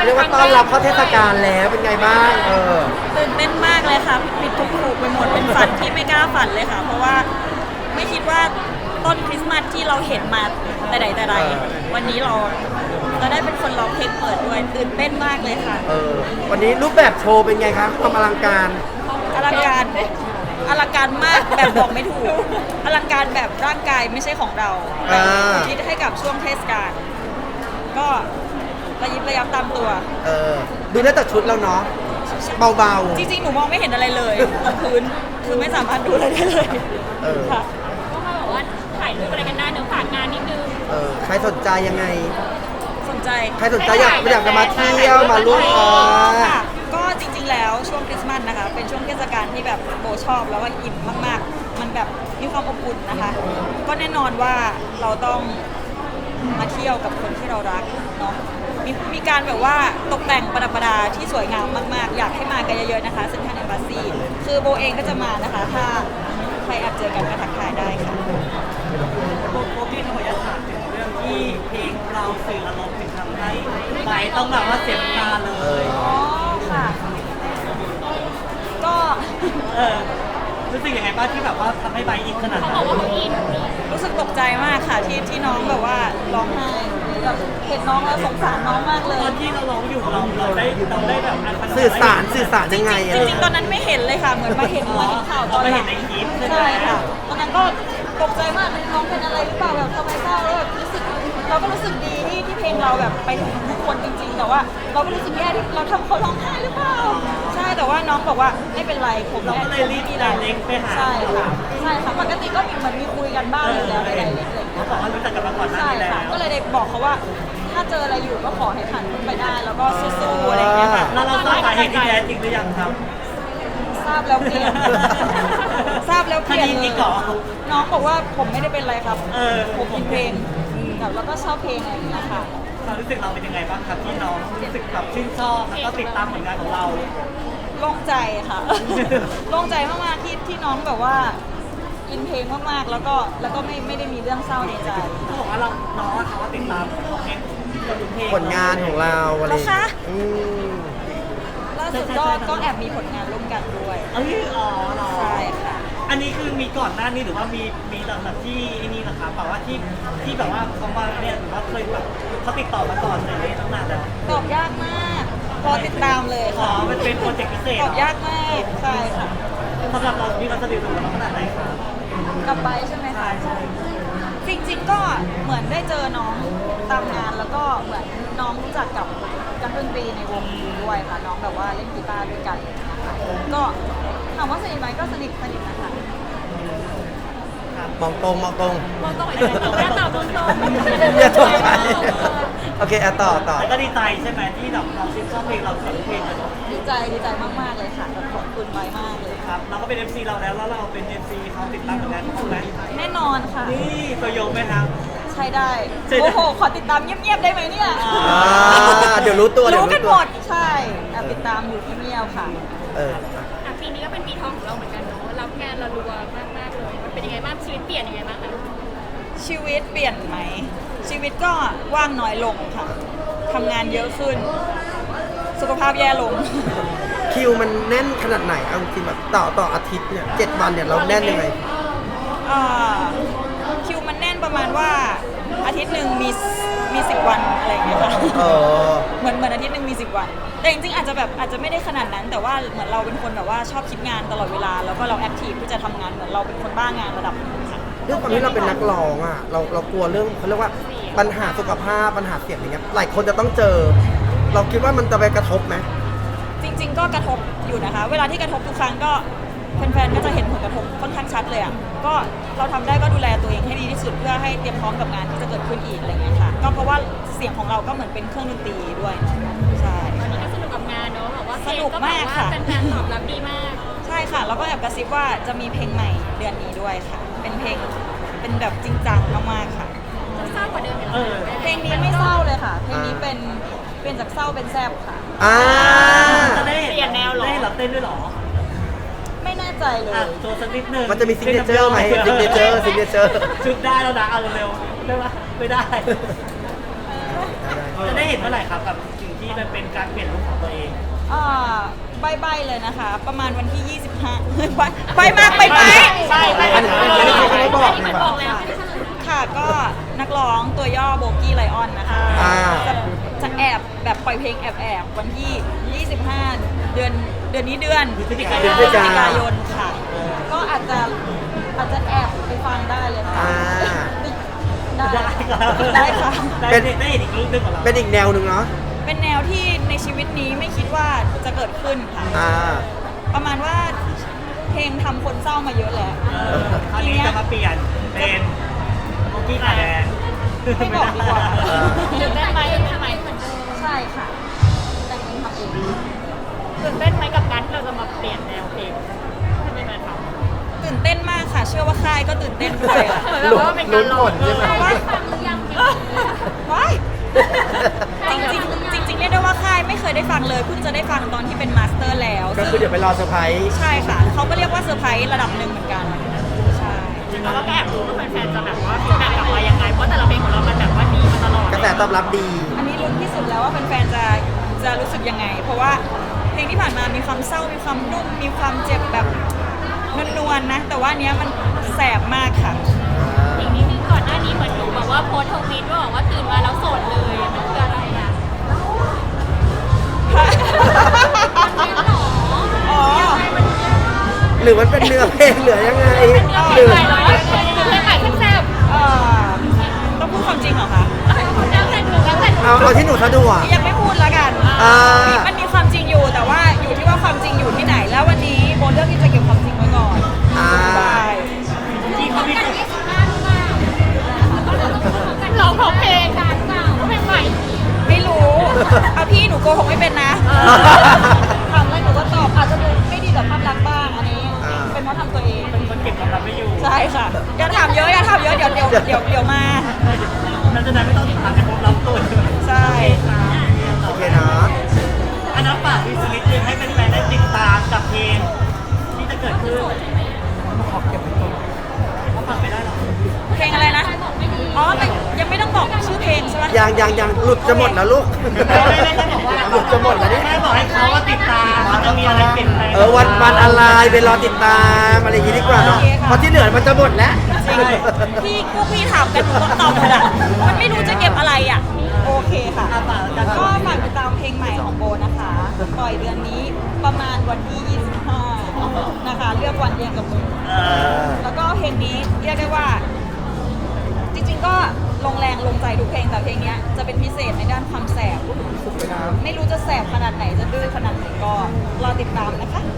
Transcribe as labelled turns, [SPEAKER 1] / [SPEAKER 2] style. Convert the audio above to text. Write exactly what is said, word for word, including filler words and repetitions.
[SPEAKER 1] เรียกว่าต้อนรับเข้าเทศกาลแล้วเป็นไงบ้างเออ
[SPEAKER 2] ตื่นเต้นมากเลยค่ะผิดทุกถูกไปหมดเป็นฝันที่ไม่กล้าฝันเลยค่ะ เพราะว่าไม่คิดว่าต้นคริสต์มาสที่เราเห็นมาแต่ใดแต่ใดวันนี้เราจะได้เป็นคนร้องเพลงเปิดด้วยตื่นเต้นมากเลยค่ะ
[SPEAKER 1] เออวันนี้รูปแบบโชว์เป็นไงครับความอลังการ
[SPEAKER 2] อลังการอลังการมากแบบบอกไม่ถูกอลังการแบบร่างกายไม่ใช่ของเราแต่คิดให้กับช่วงเทศกาลก็ระยิบระยับตามตัว
[SPEAKER 1] เออดูได้แต่ชุดแล้วเนาะเบา
[SPEAKER 2] ๆจริงๆหนูมองไม่เห็นอะไรเลยบนพื้นคือไม่สามารถดูอะไรได้เลย
[SPEAKER 1] เออ
[SPEAKER 2] ค่ะ
[SPEAKER 3] ก็มาบอกว่าถ่ายรูปอะไรกันได้เนื้อฝากงานนิดนึง
[SPEAKER 1] เออใครสนใจยังไง
[SPEAKER 2] สนใจ
[SPEAKER 1] ใครสนใจอยากอยากจะมาเที่ยวมาร่วมอ๋อ
[SPEAKER 2] ค่ะก็จริงๆแล้วช่วงคริสต์มาสนะคะเป็นช่วงเทศกาลที่แบบโบชอบแล้วก็อิ่มมากๆมันแบบมีความอบอุ่นนะคะก็แน่นอนว่าเราต้องมาเที่ยวกับคนที่เรารักเนาะมีมีการแบบว่าตกแต่งประดับประดาที่สวยงามมากๆอยากให้มากันเยอะๆนะคะเซ็นทรัลแอมบาซีคือโบเองก็จะมานะคะถ้าใครแอบเจอกันก็ทักทายได้ค่ะ
[SPEAKER 4] โบโบพี่ขออนุญาตถามถึงเรื่องที่เพลงเราสื่ออารมณ์ถึงทำให้ไบต้องแบบว่าเสียน้ำตาเลย
[SPEAKER 2] อ๋อค่ะก็
[SPEAKER 4] เออรู้สึกยังไงบ้างที่แบบว่าทำให้ไบอินขนาดนั้น
[SPEAKER 3] เขาบอกว่าเขาอิน
[SPEAKER 2] รู้สึกตกใจมากค่ะที่ที่น้องแบบว่าร้องไห้แบบเห็นน้องแล้วสงสารน้องมากเลย
[SPEAKER 4] ตอนที่เราร้องอยู่เราเราได้เราได้แบบ
[SPEAKER 1] สื่อสารสื่อสารยังไง
[SPEAKER 2] จริงๆตอนนั้นไม่เห็นเลยค่ะเหมือนมาเห็นมาเห็นข่าวตอนหลังใช่ค่ะตอนนั้นก็ตกใจมากน้องเป็นอะไรหรือเปล่าแบบทำไมเศร้าแล้วแบบรู้สึกเราก็รู้สึกดีที่ที่เพลงเราแบบไปถึงทุกคนจริงๆแต่ว่าเราก็รู้สึกแย่ที่เราทำเขาร้องไห้หรือเปล่าใช่แต่ว่าน้องบอกว่าไม่เป็นไรผม
[SPEAKER 4] เราก็เลยรีบมีอะไรเล็กไปหา
[SPEAKER 2] ใช่ค่ะใช่ค่ะปกติก็มีเหมือนมีคุยกันบ้างอยู่แล้วในไดเรกอะไรอย่างเงี้
[SPEAKER 4] เขา
[SPEAKER 2] ย
[SPEAKER 4] บอกว่ารู้จักกันมาก่อนหน้านี้แล้ว
[SPEAKER 2] ก็เลยได้บอกเขาว่าถ้าเจออะไรอยู่ก็ขอให้ผ่านพ้นไปได้แล้วก็สู้ๆอะไรอย่างเงี้ยค่ะ
[SPEAKER 4] แล้วเราทราบสาเหตุที่แท้จริงหรือยังครับ
[SPEAKER 2] ทราบแล้วเปลี่ยนทราบแล้วเปลี่ยนเลยน้องบอกว่าผมไม่ได้เป็นไรครับผมอินเพลงแล้วก็ชอบเพลงอะไรอย่างเงี้ยค่ะ
[SPEAKER 4] ความรู้สึกเราเป็นยังไงบ้างครับที่น้องรู้สึกแบบชื่นชอบแล้วก็ติดตามผลงานของเรา
[SPEAKER 2] โล่งใจค่ะโล่งใจมากๆที่ที่น้องแบบว่าอินเพลงมากๆแล้วก็แล้วก็ไม่ไม่ได้มีเรื่องเศร้าในใจ
[SPEAKER 4] เขาบอกว่าเราน้องเขาติดตาม
[SPEAKER 1] ผลงานของเราอะไร
[SPEAKER 2] นะคะ
[SPEAKER 1] อืม
[SPEAKER 2] ล่าสุดก็ก็แอบมีผลงานร่วมกันด้วย
[SPEAKER 4] เอ้ยอ๋อเหรอ
[SPEAKER 2] ใช่ค่ะ
[SPEAKER 4] อันนี้คือมีก่อนหน้านี้หรือว่ามีมีหลังจากที่นี่นะคะแบบว่าที่ที่แบบว่าเขามาเนี่ยหรือว่าเคยแบบเขาติดต่อมาก่อนเลยตั้งนานแล้ว
[SPEAKER 2] ตอบยากมากรอติดตามเลย
[SPEAKER 4] ค่ะอ๋อมันเป็นโปรเจกต์พิเศษ
[SPEAKER 2] ตอบยากมากใช่ค่ะ
[SPEAKER 4] สำหรับเรามีความสนิทสนมขนาดไหนคะ
[SPEAKER 2] กับไบใช่ไหมคะจริงๆก็เหมือนได้เจอน้องตามงานแล้วก็เหมือนน้องรู้จักกับนักดนตรีในวงด้วยค่ะน้องแบบว่าเล่นกีตาร์ด้วยกันนะคะก็ถามว่าสนิทไหมก็สนิทสนิทนะคะ
[SPEAKER 1] มองตรงมองตรง
[SPEAKER 3] มองตรงเลยตรงแม่ตอบตรงตรง
[SPEAKER 1] อย่าตกใจโอเคอ่ะต่อต่อ
[SPEAKER 4] แล้วก็ดีใจใช่ไหมที่แบบเราชื่นชอบเพลงเราเสียงเพลงเลย
[SPEAKER 2] ดีใจดีใจมากๆเลยค่ะขอบคุณไบมากเลย
[SPEAKER 4] ครับเราก็เป็น เอฟ ซี เราแล้วแล้วเราเป็น เอฟ ซี เขาติดตามผลงานของเขาไหม
[SPEAKER 2] แน่นอนค่ะ
[SPEAKER 4] นี่ตัวยงไหมครับ
[SPEAKER 2] ใช่ได้โอ้โหขอติดตามเงียบๆได้ไหมเนี่ย
[SPEAKER 1] เดี๋ยวรู้ตัว
[SPEAKER 2] รู้กันหมดใช่ติดตามอยู่เงียบๆค่ะ
[SPEAKER 1] เออ
[SPEAKER 3] ปีนี้ก็เป็นปีทองของเราเหมือนกันเนาะรับงานเรารัวมากๆเลยมันเป็นยังไงบ้างชีวิตเปลี่ยนยังไงบ้างคะ
[SPEAKER 2] ชีวิตเปลี่ยนไหมชีวิตก็ว่างน้อยลงค่ะทำงานเยอะขึ้นสุขภาพแย่ลง
[SPEAKER 1] คิวมันแน่นขนาดไหนเอาจริงแบบต่อต่ออาทิตย์เนี่ยเจ็ดวันเนี่ยเราแน่นยังไง
[SPEAKER 2] คิวมันแน่นประมาณว่าอาทิตย์หนึ่งมีมีสิบวันอะไรอย่างเงี้ยค่ะเหมือนเหมือนอาทิตย์หนึ่งมีสิบวันแต่จริงๆอาจจะแบบอาจจะไม่ได้ขนาดนั้นแต่ว่าเหมือนเราเป็นคนแบบว่าชอบคิดงานตลอดเวลาแล้วก็เราแอคทีฟที่จะทำงานเหมือนเราเป็นคนบ้างานระดับนึงค่ะ
[SPEAKER 1] เรื่องความที่เราเป็นนักร้องอ่ะเราเรากลัวเรื่องเขาเรียกว่าปัญหาสุขภาพปัญหาเสียงอย่างเงี้ยหลายคนจะต้องเจอเราคิดว่ามันจะไปกระทบไหม
[SPEAKER 2] จริงๆก็กระทบอยู่นะคะเวลาที่กระทบทุกครั้งก็แฟนๆก็จะเห็นผลกระทบค่อนข้างชัดเลยอ่ะก็เราทำได้ก็ดูแลตัวเองให้ดีที่สุดเพื่อให้เตรียมพร้อมกับงานที่จะเกิดขึ้นอีกอะไรเงี้ยค่ะก็เพราะว่าเสียงของเราก็เหมือนเป็นเครื่องดนตรีด้วยใช่
[SPEAKER 3] ตอนนี้ก็สนุกกับงานเนาะแบบว่า
[SPEAKER 2] สนุกมากค่ะ
[SPEAKER 3] แฟนๆตอบรับดีมาก
[SPEAKER 2] ใช่ค่ะแล้วก็แอบกระซิบว่าจะมีเพลงใหม่เดือนนี้ด้วยค่ะเป็นเพลงเป็นแบบจริงจังมากๆค่ะ
[SPEAKER 3] เศร้ากว่าเดิม
[SPEAKER 2] เพลงนี้ไม่เศร้าเลยค่ะเพลงนี้เป็นเปลี่ยนจากเศร้าเป็นแซ่บค่ะ
[SPEAKER 1] อ่า
[SPEAKER 4] จะได้เปลี่ยนแนวหรอได้หรอเต้นด้วยหรอ
[SPEAKER 2] ไม่แน่ใจเลย
[SPEAKER 4] โชว์สักนิดนึง
[SPEAKER 1] มันจะมีซิกเนเจอร์ไหมซิกเนเจอร์ซิกเนเจอร์
[SPEAKER 4] ชุดได้แล้วนะเอาเร็วๆได้ปะไม่ได้จะได้เห็นเมื่อไหร่ครับกับสิ่งที่ที่มันเป็นการเปลี่ยนลุคของตัวเอง
[SPEAKER 2] อ่าใบๆเลยนะคะ ประมาณวันที่ ยี่สิบห้า ใบใบมากไปไหม
[SPEAKER 4] ใช่ใช่
[SPEAKER 1] อันนี้อันนี้เขาไม่บอก
[SPEAKER 3] เหมื
[SPEAKER 1] นี่
[SPEAKER 3] อน
[SPEAKER 1] ป่ะ
[SPEAKER 3] บอกแล้วไม่ได้เฉลย
[SPEAKER 2] ค่ะก็นักร้องตัวย่อโบกี้ไลออนนะคะ
[SPEAKER 1] อ่า
[SPEAKER 2] จะจะแอบแบบปล่อยเพลงแอบแอบๆวันที่ ยี่สิบห้า เดือนเดือนนี้เดือน
[SPEAKER 4] พฤศจิกา
[SPEAKER 2] พ
[SPEAKER 4] ย
[SPEAKER 2] ฤ
[SPEAKER 4] น
[SPEAKER 2] ศจิกายนค่ะ ก็อาจจะอาจจะแอบไปฟังได้เลยค่ะ
[SPEAKER 1] อ่า
[SPEAKER 2] ได้
[SPEAKER 4] ได้ครับ
[SPEAKER 2] ได้ค่ะ
[SPEAKER 4] ได้ได้เห็นอีกลุคหนึงของเรา
[SPEAKER 1] เป็นอีกแนวหนึ่งเนาะ
[SPEAKER 2] เป็นแนวที่ในชีวิตนี้ไม่คิดว่าจะเกิดขึ้นค่ะ
[SPEAKER 1] อ่า
[SPEAKER 2] ประมาณว่าเพลงทำคนเศร้ามาเยอะแล้ว
[SPEAKER 4] เออคราวนี้จะมาเปลี่ยนเป็นโมกี้ขาแดง
[SPEAKER 2] ไม่บอกดีกว่า
[SPEAKER 1] เออ
[SPEAKER 3] ตื่นเต้นไหมทำไมเหมือนเดิม
[SPEAKER 2] ใช่ค่ะ แต่งเองทำเอง
[SPEAKER 3] ตื่นเต้นไหมกับการที่เราจะมาเปลี่ยนแนวเพลงให้เป็นอะไรทำ
[SPEAKER 2] ตื่นเต้นมากค่ะ เชื่อว่าค่ายก็ตื่นเต้นด้วยอะ
[SPEAKER 3] เหมือนแบบว่าเป็นการลอง
[SPEAKER 1] ลุ้นผลใช่ไหม
[SPEAKER 3] เพราะว่าฟังหรือยังเพลง
[SPEAKER 2] ว้ายจริงๆจริงๆเรียกได้ว่าค่ายไม่เคยได้ฟังเลยเพิ่งจะได้ฟังตอนที่เป็นมาสเตอร์แล้ว
[SPEAKER 1] ก็คือเดี๋ยวไปรอเซอร์ไพรส์
[SPEAKER 2] ใช่ค่ะเขาก็เรียกว่าเซอร์ไพรส์ระดับหนึ่งเหมือนกันใช่
[SPEAKER 3] จริงๆแล้วก็แอบรู้ว่าแฟนๆจะแบบว่าฟีดแบ็กกลับมายังไง เพราะแต่ละเพลงของเรามันแบบว่าดีมาตลอด
[SPEAKER 1] กระแสตอบรับดี
[SPEAKER 2] อันนี้ลุ้นที่สุดแล้วว่าแฟนๆจะจะรู้สึกยังไง เพราะว่าเพลงที่ผ่านมามีความเศร้ามีความนุ่มมีความเจ็บแบบนวลๆนะ แต่ว่าอันเนี้ยมันแสบมากค่ะ
[SPEAKER 3] อีกนิดนึงก่อนหน้านี้เหมือนหนูแบบว่าโพสต์ทวีตว่าบอกว่าตื่นมาแล้วโสดเลยมันคืออะไรอ่ะมันเป็นหรอ
[SPEAKER 2] อ๋อ
[SPEAKER 1] หรือมันเป็นเนื้อเพลงเหลือยังไง
[SPEAKER 3] เพ
[SPEAKER 1] ห
[SPEAKER 3] ล
[SPEAKER 1] รื
[SPEAKER 3] ง
[SPEAKER 1] อ
[SPEAKER 3] ใหม่เหรอเพลงใหม่ขึ้นแซ่บ
[SPEAKER 2] เอ่อต้องพูดความจริงเหรอคะ
[SPEAKER 3] แล้วแต่หนูแล้วแต่หนู
[SPEAKER 1] เอาเอาที่หนูสะดวก
[SPEAKER 2] ยังไม่พูดแล้วกัน
[SPEAKER 1] อ่า
[SPEAKER 2] มันมีความจริงอยู่แต่ว่าอยู่ที่ว่าความจริงอยู่ที่ไหน แล้ววันนี้โบเลือกที่จะเก็บความจริงไว้ก่อน
[SPEAKER 1] อ่า
[SPEAKER 2] ใช่
[SPEAKER 4] ที่เขามี
[SPEAKER 3] กันยี่สิบห้าหรือเปล่าร้องของเพลงกันเปล่าเพลงใหม่
[SPEAKER 2] ไม่รู้เอาพี่หนูโกหกไม่เป็นนะถามอะไรหนูก็ตอบอาจจะดูไม่ดีต่อภาพลักษณ์บ้างอันนี้
[SPEAKER 1] อ่า
[SPEAKER 2] เป็นเพราะทำตัวเอง
[SPEAKER 4] เป็นคนเก็บความลับไม่อยู่
[SPEAKER 2] ใช่ค่ะอย่าถามเยอะอย่าถามเยอะเดี๋ยวเดี๋ยวเดี๋ยวเดี๋ยวมา
[SPEAKER 4] เราจะได้ไม่ต้องติดตามแต่ความลับตัว
[SPEAKER 2] ใช่
[SPEAKER 1] โอเคเนาะ
[SPEAKER 4] อันนั้นฝากวิสลิตนึงให้แฟนๆได้ติดตามกับเพลงที่จะเกิดขึ้นเขาฝากไม่ได้หรอ
[SPEAKER 2] เพลงอะไรนะอ๋อแต่ยังไม่ต้องบอกชื่อเพลงใช่ไหม
[SPEAKER 1] ยังยังยังหลุดจะหมดแล้วลูก
[SPEAKER 4] ไม่ไม่ได้บอกว่า
[SPEAKER 1] หลุดจะหมดแล้วนี่
[SPEAKER 4] แม่บอกให้เขาว่าติดตามมันจะมีอะไรเปลี่ยนแปลง
[SPEAKER 1] เออวันวันอะไรไปรอติดตามอะไรอย่างงี้ดีกว่าเนาะเพราะที่เหลือมันจะหมดแล้ว
[SPEAKER 2] จริงพี่พวกพี่ถามกันหนูก็ตอบหมดอ่ะมันไม่รู้จะเก็บอะไรอ่ะโอเคค่ะ
[SPEAKER 4] อ่ะฝากแล้วกัน
[SPEAKER 2] ก็ฝากติดตามเพลงใหม่ของโบนะคะ ปล่อยเดือนนี้ประมาณวันที่ ยี่สิบห้า นะคะ เลือกวันเดียวกับมึง
[SPEAKER 4] เออ
[SPEAKER 2] แล้วก็เพลงนี้เรียกได้ว่า จริงๆก็ลงแรงลงใจทุกเพลงแต่เพลงเนี้ยจะเป็นพิเศษในด้านความแสบ ไม่รู้จะแสบขนาดไหนจะดื้อขนาดไหนก็รอติดตามนะคะ